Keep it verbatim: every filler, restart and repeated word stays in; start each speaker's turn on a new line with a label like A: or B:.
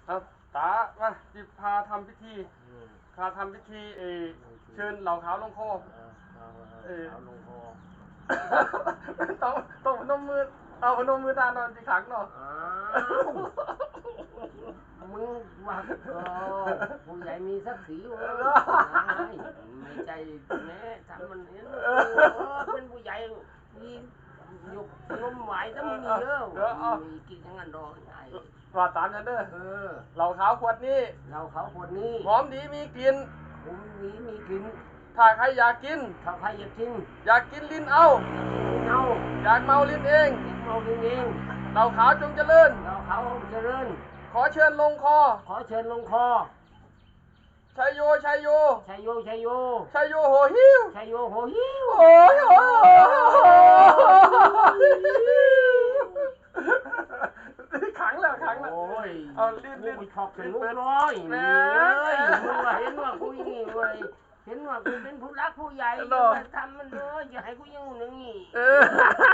A: เอาตามาจิพาทำพิธีพาทำพิธีเอเชิญเหล่าขาวลงคอเออ
B: เอาลงคอ
A: ต้องต้องพนมมือเอาพนมมือตานอนจีขังเนาะ
B: อ้าวมึงว่าเออผู้ใหญ่มีศักดิ์ศรีเว้ยไม่ใจแม่ทำมันเห็นเออเป็นผู้ใหญ่มียกนมไหวถ้ามึงมีเยอะมีกินอย่างนั้นดอกใหญ่
A: ว่าตามฉันเด้อ
B: เออ
A: เหล่าขาวขวดนี้
B: เราเขาคนนี้
A: หอมดีมีกลิ่น
B: ผมนี้มีกิน
A: ถ้าใครอยากกิน
B: ถ้าใครอยากกิน
A: อยากกินลิ้นเอา
B: เอา
A: อยากเมาลิ้นเอง
B: เราเองเอง
A: เหล่าขาวจงเจริญ
B: เราเขาเจริญ
A: ขอเชิญลงคอ
B: ขอเชิญลงคอ
A: ชัยโยชัยโย
B: ชัยโยชัยโย
A: ชัยโยโหหิว
B: ชัยโยโหหิว
A: โอ้ยโอ้ยขังแล้วขังแล้ว
B: โอ้ย
A: เอาลิ้นลิ้น
B: กูชอบสนุกเลยแม่เอ้ยมึงว่าเห็นว่ากูอย่างนี้เว้ยเห็นว่ากูเป็นผู้รักผู้ใหญ่
A: เนาะ
B: ทำมันเลยอย่าให้กูอยังหนึ่งนี่
A: เออ